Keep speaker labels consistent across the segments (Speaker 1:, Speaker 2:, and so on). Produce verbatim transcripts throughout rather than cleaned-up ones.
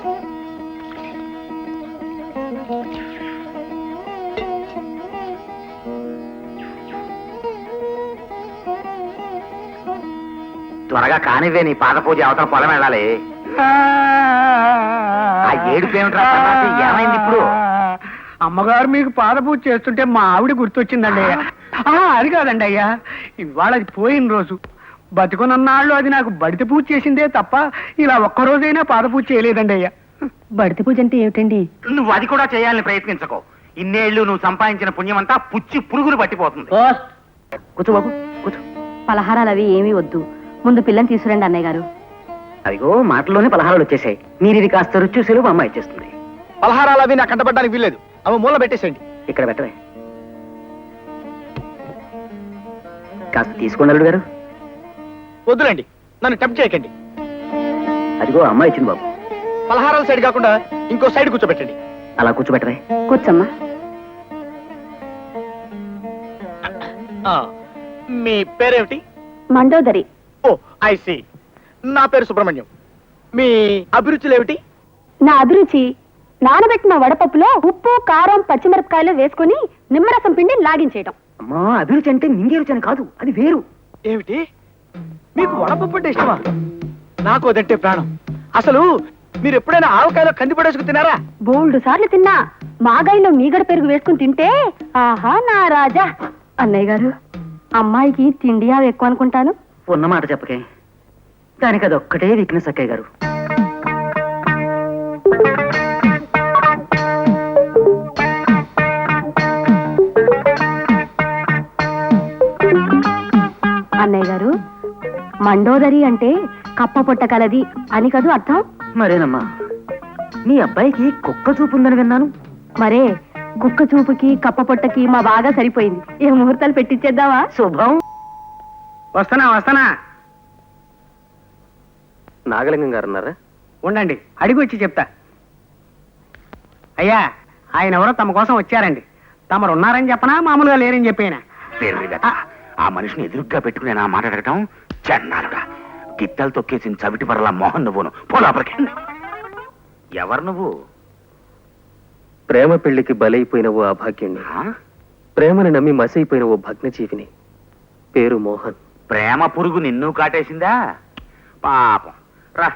Speaker 1: త్వరగా కానివే, నీ పాద పూజ అవతల పొలం వెళ్ళాలి. ఆ ఏడుపు ఏమిట్రా? ఏమైంది ఇప్పుడు?
Speaker 2: అమ్మగారు మీకు పాద పూజ చేస్తుంటే మా ఆవిడ గుర్తొచ్చిందండి అయ్యా. అది కాదండి అయ్యా, ఇవాళ అది పోయిన రోజు. బతుకునన్నాళ్ళు అది నాకు బడిత పూజ చేసిందే తప్ప ఇలా ఒక్కరోజైనా పాద పూజ చేయలేదండి అయ్యా.
Speaker 3: బడిత పూజ అంటే ఏమిటండి?
Speaker 1: నువ్వు అది కూడా చేయాలని ప్రయత్నించకో. ఇన్నేళ్లు నువ్వు సంపాదించిన పుణ్యమంతా పుచ్చి పురుగులు పట్టిపోతుంది. కూర్చో బాబు, కూర్చో.
Speaker 3: పలహారాలు అవి ఏమీ వద్దు, ముందు పిల్లని తీసుకురండి అన్నయ్య గారు.
Speaker 1: అదిగో మాటల్లోనే పలహారాలు వచ్చేసాయి. మీరు ఇది కాస్త రుచి చూసేలు మా అమ్మాయి ఇచ్చేస్తుంది.
Speaker 2: పలహారాలు అవి నాకు కంటపడడానికి వీల్లేదు, అవి మూల పెట్టేసేయండి.
Speaker 1: ఇక్కడ పెట్టవే. కాస్త తీసుకోండి అల్లుడు గారు.
Speaker 2: వద్దులండి, నన్ను టెంప్ట్ చేయకండి.
Speaker 1: అదిగో అమ్మాయి ఇచ్చింది బాబు.
Speaker 2: పలహారాల సైడ్ కాకుండా ఇంకో సైడ్ కూర్చోబెట్టండి.
Speaker 1: అలా కూర్చోబెట్టవే.
Speaker 3: కూర్చోమ్మా.
Speaker 2: మీ పేరేమిటి?
Speaker 3: మండోదరి.
Speaker 2: Oh I see. నా పేరు సుబ్రహ్మణ్యం. మీ అభిరుచులు ఏమిటి?
Speaker 3: నా అభిరుచి నానబెట్టిన వడపప్పులో ఉప్పు కారం పచ్చిమిరపకాయలు వేసుకుని నిమ్మరసం పిండి లాగించేయడం.
Speaker 1: అమ్మా, అభిరుచి అంటే నింగే రుచి అని కాదు, అది వేరు.
Speaker 2: ఏమిటి? మీకు వడపప్పు అంటే ఇష్టమా? నాకు అదంటే ప్రాణం. అసలు మీరు ఎప్పుడైనా ఆవకాయలో కంది పడేసుకు తినారా?
Speaker 3: బోల్డు సార్లు తిన్నా. మాగాయిలో మీగడ పెరుగు వేసుకుని తింటే ఆహా నా రాజా. అన్నయ్య గారు, అమ్మాయికి తిండి అవి ఎక్కువ అనుకుంటాను.
Speaker 1: ఉన్నమాట చెప్పకే, దానికి అది ఒక్కటే వీక్నెస్ అక్కయ్య గారు.
Speaker 3: అన్నయ్య గారు, మండోదరి అంటే కప్ప పొట్ట కలది అని కదూ అర్థం?
Speaker 1: మరేనమ్మా, నీ అబ్బాయికి కుక్క చూపు ఉందని విన్నాను.
Speaker 3: మరే కుక్క చూపుకి కప్ప పొట్టకి మా బాగా సరిపోయింది. ఏ ముహూర్తాలు పెట్టించేద్దావా?
Speaker 1: శుభం.
Speaker 2: వస్తానా వస్తానా.
Speaker 1: నాగలింగం గారు ఉన్నారా?
Speaker 2: ఉండండి, అడిగి వచ్చి చెప్తా. అయ్యా, ఆయన ఎవరో తమ కోసం వచ్చారండి. తమరు ఉన్నారని చెప్పనా, మామూలుగా లేరని చెప్పేనా?
Speaker 1: ఆ మనిషిని ఎదురుగ్గా పెట్టుకుని నా మాట అడగటం చెన్నాలుగా. గిట్టలు తొక్కేసిన చవిటి పరలా మోహన్ నువ్వును పోలాపలికి. ఎవరు నువ్వు?
Speaker 4: ప్రేమ పెళ్లికి బలైపోయిన ఓ అభాగ్యుణ్ణి, ప్రేమని నమ్మి మసైపోయిన ఓ భగ్నజీవిని. పేరు మోహన్.
Speaker 1: ప్రేమ పురుగు నిన్ను కాటేసిందా? పాపం రా.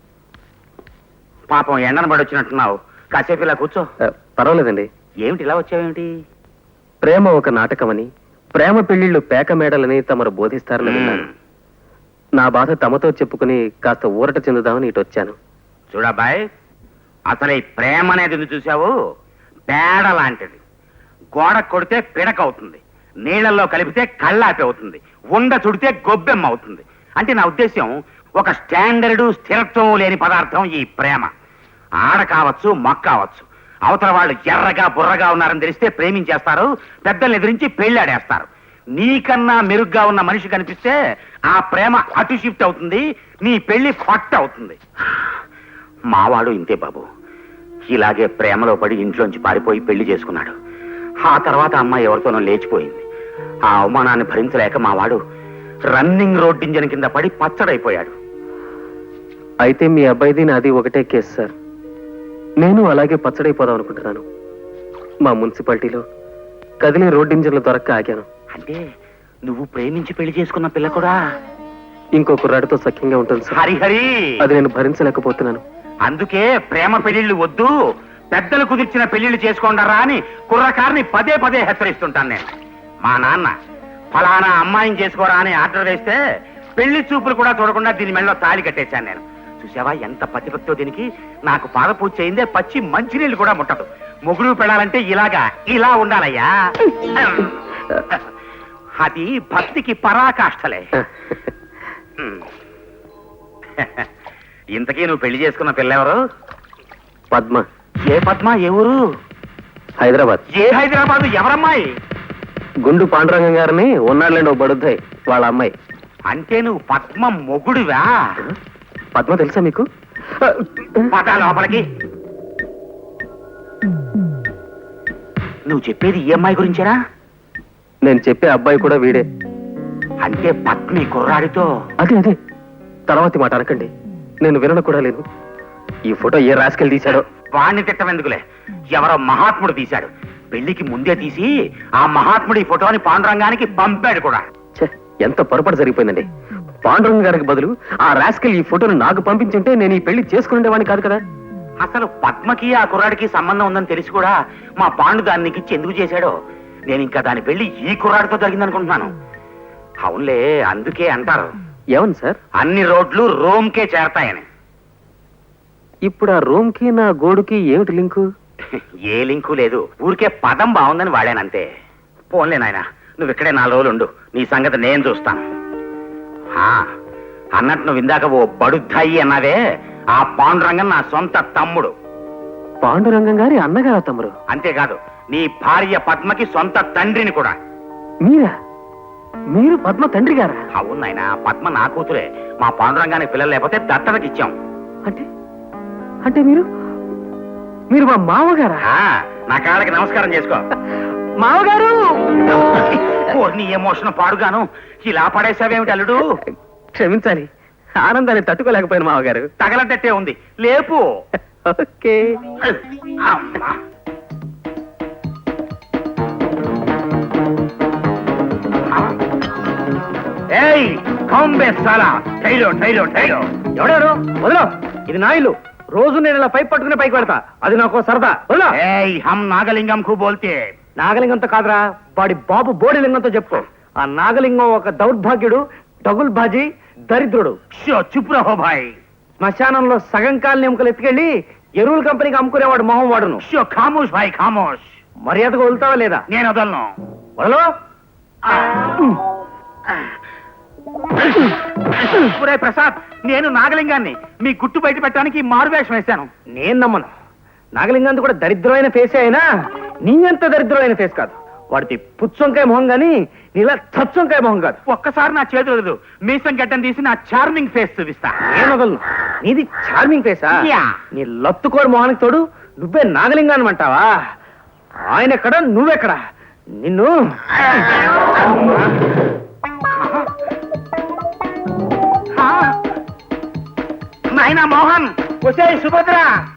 Speaker 1: పాపం ఎండను పడొచ్చినట్టున్నావు, కాసేపు ఇలా కూర్చో.
Speaker 4: పర్వాలేదండి.
Speaker 1: ఏమిటి ఇలా వచ్చావేమిటి?
Speaker 4: ప్రేమ ఒక నాటకమని, ప్రేమ పెళ్లిళ్లు పేక మేడలని తమరు బోధిస్తారని విన్నాను. నా బాధ తమతో చెప్పుకుని కాస్త ఊరట చెందుదామని ఇటు వచ్చాను.
Speaker 1: చూడబ్బాయ్, అసలు ఈ ప్రేమ అనేది ఎందుకు చూసావు? పేడ లాంటిది. గోడ కొడితే పిడక అవుతుంది, నీళ్లలో కలిపితే కళ్ళాపి అవుతుంది, ఉండ చుడితే గొబ్బెమ్మ అవుతుంది. అంటే నా ఉద్దేశం, ఒక స్టాండర్డు స్థిరత్వం లేని పదార్థం ఈ ప్రేమ. ఆడ కావచ్చు, మొక్క కావచ్చు. అవతల వాళ్ళు ఎర్రగా బుర్రగా ఉన్నారని తెలిస్తే ప్రేమించేస్తారు, పెద్దల్ని ఎదిరించి పెళ్ళాడేస్తారు. నీకన్నా మెరుగ్గా ఉన్న మనిషి కనిపిస్తే ఆ ప్రేమ అటు షిఫ్ట్ అవుతుంది, నీ పెళ్లి ఫట్ అవుతుంది. మావాడు ఇంతే బాబు, ఇలాగే ప్రేమలో పడి ఇంట్లోంచి పారిపోయి పెళ్లి చేసుకున్నాడు. ఆ తర్వాత అమ్మాయి ఎవరితోనో లేచిపోయింది. ఆ అవమానాన్ని భరించలేక మావాడు రన్నింగ్ రోడ్ ఇంజన్ కింద పడి పచ్చడైపోయాడు.
Speaker 4: అయితే మీ అబ్బాయిది నాది ఒకటే కేసు సార్. నేను అలాగే పచ్చడైపోదాం అనుకుంటున్నాను. మా మున్సిపాలిటీలో కదిలే రోడ్ ఇంజన్లు దొరక్క ఆగాను.
Speaker 1: అంటే నువ్వు ప్రేమించి పెళ్లి చేసుకున్న పిల్ల కూడా
Speaker 4: ఇంకో కుర్రాడితో సఖ్యంగా ఉంటుంది సార్.
Speaker 1: హరిహరి,
Speaker 4: అది నేను భరించలేకపోతున్నాను.
Speaker 1: అందుకే ప్రేమ పెళ్లిళ్ళు వద్దు, పెద్దలు కుదిర్చిన పెళ్లిళ్ళు చేసుకోండరా అని కుర్రకారిని పదే పదే హెచ్చరిస్తుంటాను నేను. మా నాన్న ఫలానా అమ్మాయిని చేసుకోరా అని ఆర్డర్ వేస్తే పెళ్లి చూపులు కూడా చూడకుండా దీని మెళ్ళలో తాళి కట్టేశాను నేను. చూసావా ఎంత పతిభక్తో దీనికి? నాకు పాద పూజ చేయిందే పచ్చి మంచినీళ్ళు కూడా ముట్టదు. మొగుడు పెళ్ళాలంటే ఇలాగా ఇలా ఉండాలయ్యా. అది భక్తికి పరాకాష్ఠలే. ఇంతకీ నువ్వు పెళ్లి చేసుకున్న పిల్లెవరు?
Speaker 4: పద్మ.
Speaker 1: ఏ పద్మ? ఏ ఊరు?
Speaker 4: హైదరాబాద్.
Speaker 1: ఏ హైదరాబాద్? ఎవరమ్మాయి?
Speaker 4: గుండు పాండురంగం గారిని ఉన్నాడులేండి ఓ బడుద్దాయి, వాళ్ళ అమ్మాయి.
Speaker 1: అంటే నువ్వు పద్మ మొగుడువా?
Speaker 4: పద్మ తెలుసా మీకు?
Speaker 1: పద లోపలికి. నువ్వు చెప్పేది ఈ అమ్మాయి గురించేనా?
Speaker 4: నేను చెప్పే అబ్బాయి కూడా వీడే.
Speaker 1: అంటే పద్మి కుర్రాడితో?
Speaker 4: అదే అదే, తర్వాతి మాట అనకండి, నేను వినను కూడా లేదు. ఈ ఫోటో ఏ రాసుకెళ్ళి తీశాడో.
Speaker 1: వాణ్ణి తిట్టమెందుకులే, ఎవరో మహాత్ముడు తీశాడు. పెళ్లికి ముందే తీసి ఆ మహాత్ముడు ఈ ఫోటోని పాండురంగానికి పంపాడు కూడా.
Speaker 4: ఛే, ఎంత పొరపాటు జరిగిపోయిందండి. పాండురంగ గారికి బదులు ఆ రాస్కెల్ ఈ ఫోటోను నాకు పంపించుంటే నేను ఈ పెళ్లి చేసుకునేవాడిని కాదు కదా.
Speaker 1: అసలు పద్మకి ఆ కుర్రాడికి సంబంధం ఉందని తెలిసి కూడా మా పాండు దాన్ని నీకు ఇచ్చి ఎందుకు చేశాడో, నేను ఇంకా దాని పెళ్లి ఈ కుర్రాడితో జరిగిందనుకుంటున్నాను. అవునులే, అందుకే అంటారు
Speaker 4: ఏమని సార్?
Speaker 1: అన్ని రోడ్లు రోమ్కే చేరతాయని.
Speaker 4: ఇప్పుడు ఆ రూమ్ కి నా గోడుకి ఏమిటి లింకు?
Speaker 1: ఏ లింకు లేదు, ఊరికే పదం బాగుందని వాడానంతే. పోన్లే నాయనా, నువ్వు ఇక్కడే నాలుగు రోజులు ఉండు, నీ సంగతి నేను చూస్తాను. ఆ, అన్నట్టు నువ్వు ఇందాక ఓ బడుద్దాయి అన్నావే, ఆ పాండురంగం నా సొంత తమ్ముడు.
Speaker 4: పాండురంగం గారి అన్నగారా తమ్ముడు?
Speaker 1: అంతేకాదు, నీ భార్య పద్మకి సొంత తండ్రిని కూడా.
Speaker 4: మీరా? మీరు పద్మ తండ్రి గారా?
Speaker 1: అవును నాయనా, పద్మ నా కూతురే. మా పాండురంగానికి పిల్లలు లేకపోతే దత్తతకి ఇచ్చాం.
Speaker 4: అంటే అంటే మీరు మీరు మా మామగారా?
Speaker 1: ఆ, నా కాళ్ళకి నమస్కారం చేసుకో.
Speaker 4: మామగారు!
Speaker 1: నీ ఎమోషన్ పాడుగాను ఇలా పడేసావేమిటి అల్లుడు?
Speaker 4: క్షమించాలి, ఆనందాన్ని తట్టుకోలేకపోయాను మామగారు.
Speaker 1: తగలటట్టే ఉంది, లేపు.
Speaker 4: ఓకే.
Speaker 1: అమ్మా. ఏయ్ కాంబే సాలా, టైలో టైలో టైలో.
Speaker 2: ఎవడారు? వదలో, ఇది నా ఇల్లు. రోజు నేను ఇలా పైప్ పట్టుకుని పైకి వెళ్తా, అది నాకు సరదా. వదలో.
Speaker 1: ఏయ్ హమ్ నాగలింగం కు బోల్తే.
Speaker 2: నాగలింగంతో కాదురా, వాడి బాబు బోడిలింగంతో చెప్పుకో. ఆ నాగలింగం ఒక దౌర్భాగ్యుడు, డగుల్ బాజీ, దరిద్రుడు.
Speaker 1: షో చుప్ రహో భాయ్.
Speaker 2: శ్మశానంలో సగం కాలని ఎముకలు ఎత్తుకెళ్ళి ఎరువుల కంపెనీకి అమ్ముకునేవాడు మొహం వాడును.
Speaker 1: షో ఖామోష్ భాయ్ ఖామోష్.
Speaker 2: మర్యాదగా వదులుతావా లేదా?
Speaker 1: నేను వదలను.
Speaker 2: వదలో.
Speaker 1: ఒరేయ్ ప్రసాద్, నేను నాగలింగాన్ని మీ గుట్టు బయట పెట్టడానికి మారువేషం వేశాను.
Speaker 2: నేను నమ్మను. నాగలింగాంది కూడా దరిద్రమైన ఫేసే అయినా నీ అంత దరిద్రమైన ఫేస్ కాదు. వాడిది పుచ్చొంకాయ మొహం గాని నీలా చచ్చొంకాయ మొహం కాదు.
Speaker 1: ఒక్కసారి నా చేతులు వదలు, మీసం గడ్డం తీసి నా చార్మింగ్ ఫేస్ చూపిస్తా.
Speaker 2: నేను వదలను. నీది చార్మింగ్ ఫేసా?
Speaker 1: యా.
Speaker 2: నీ లత్తుకోడు మొహానికి తోడు నువ్వే నాగలింగాన్ని అంటావా? ఆయన ఎక్కడ, నువ్వెక్కడ? నిన్ను
Speaker 1: నాయనా మోహన్, వచ్చే సుభద్ర.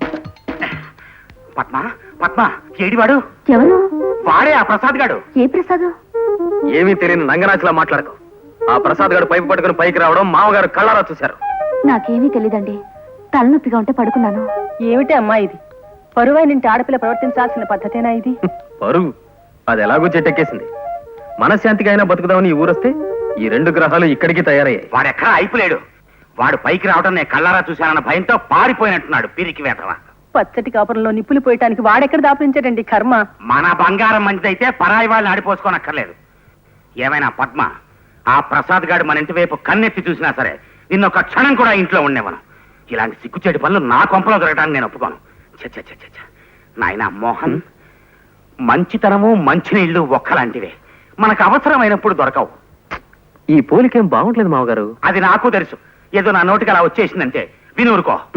Speaker 1: పద్మ పద్మ, ఏడివాడు?
Speaker 3: ఎవరు?
Speaker 1: వాడే ఆ ప్రసాద్ గాడు.
Speaker 3: ఏ ప్రసాద్?
Speaker 4: ఏమీ తెలియని నంగరాజులా మాట్లాడకు. ఆ ప్రసాద్ గారు పైపు పట్టుకుని పైకి రావడం మామగారు కళ్ళారా చూశారు.
Speaker 3: నాకేమీ తెలీదండి, తలనొప్పిగా ఉంటే పడుకున్నాను.
Speaker 5: ఏమిటి అమ్మా ఇది? పరువైనింటి ఆడపిల్ల ప్రవర్తించాల్సిన పద్ధతేనా ఇది?
Speaker 4: పరువు అది ఎలాగో చెట్టెక్కేసింది. మనశ్శాంతిగా అయినా బతుకుదామని ఈ ఊరొస్తే ఈ రెండు గ్రహాలు ఇక్కడికి తయారయ్యాయి.
Speaker 1: వాడెక్కడా అయిపోలేడు. వాడు పైకి రావడం నేను కళ్ళారా చూశానన్న భయంతో పారిపోయినట్టున్నాడు పిరికి వేతవా.
Speaker 5: పచ్చటి కాపురంలో నిప్పులు పోయటానికి వాడెక్కడ దాపరించాడండి కర్మ.
Speaker 1: మన బంగారం మంచిదైతే పరాయి వాళ్ళని ఆడిపోసుకోనక్కర్లేదు. ఏమైనా పద్మ, ఆ ప్రసాద్ గాడు మన ఇంటి వైపు కన్నెత్తి చూసినా సరే నిన్నొక క్షణం కూడా ఇంట్లో ఉండేవను. ఇలాంటి సిగ్గుచేటి పనులు నా కొంపలో దొరకడానికి నేను ఒప్పుకోను. చచ్చ చచ్చ నాయనా మోహన్, మంచితనము మంచినీళ్లు ఒక్కలాంటివే, మనకు అవసరమైనప్పుడు దొరకవు.
Speaker 4: ఈ పోలికేం బాగుంటలేదు మామగారు.
Speaker 1: అది నాకు తెలుసు. ఏదో నా నోటికి అలా వచ్చేసిందంటే వినూరుకో.